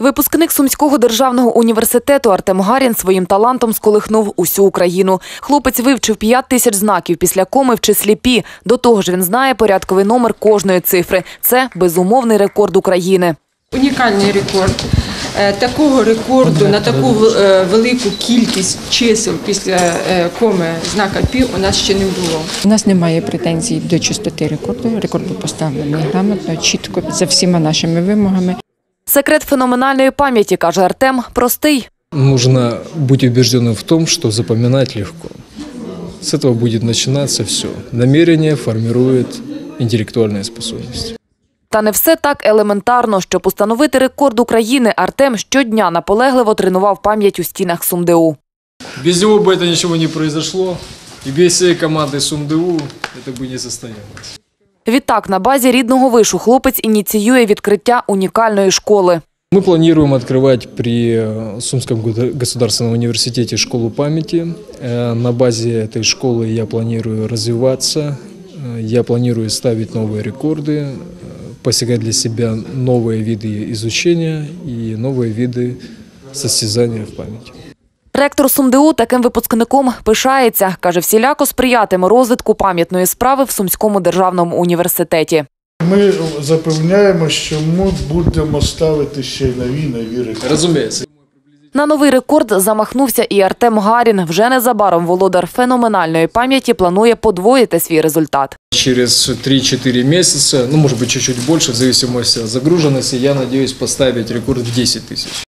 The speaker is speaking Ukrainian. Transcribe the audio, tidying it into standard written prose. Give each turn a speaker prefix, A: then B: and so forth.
A: Випускник Сумського державного університету Артем Гарін своїм талантом сколихнув усю Україну. Хлопець вивчив 5000 знаків після коми в числі пі. До того ж він знає порядковий номер кожної цифри. Це безумовний рекорд України.
B: Унікальний рекорд. Такого рекорду на таку велику кількість чисел після коми знака пі у нас ще не було.
C: У нас немає претензій до чистоти рекорду. Рекорд був поставлений грамотно, чітко, за всіма нашими вимогами.
A: Секрет феноменальної пам'яті, каже Артем, простий.
D: Нужно быть убежденным в том, что запоминать легко. С этого будет начинаться все. Намерение формирует интеллектуальные способности.
A: Та не все так елементарно. Щоб установити рекорд України, Артем щодня наполегливо тренував пам'ять у стінах СумДУ.
D: Без него бы это ничего не произошло, и без всей команды СумДУ это бы не состоялось.
A: Відтак, на базі рідного вишу хлопець ініціює відкриття унікальної школи.
D: Мы планируем открывать при Сумском государственном университете школу памяти. На базе этой школы я планирую развиваться, я планирую ставить новые рекорды, постигать для себя новые виды изучения и новые виды состязания в памяти.
A: Ректор СумДУ таким випускником пишається. Каже, всіляко сприятиме розвитку пам'ятної справи в Сумському державному університеті.
E: Ми запевняємо, що ми будемо ставити ще й нові рекорди.
D: Разумеется.
A: На новий рекорд замахнувся і Артем Гарін. Вже незабаром володар феноменальної пам'яті планує подвоїти свій результат.
D: Через 3-4 месяца, может быть чуть-чуть больше, в зависимости от загруженности, я надеюсь поставить рекорд в 10 000.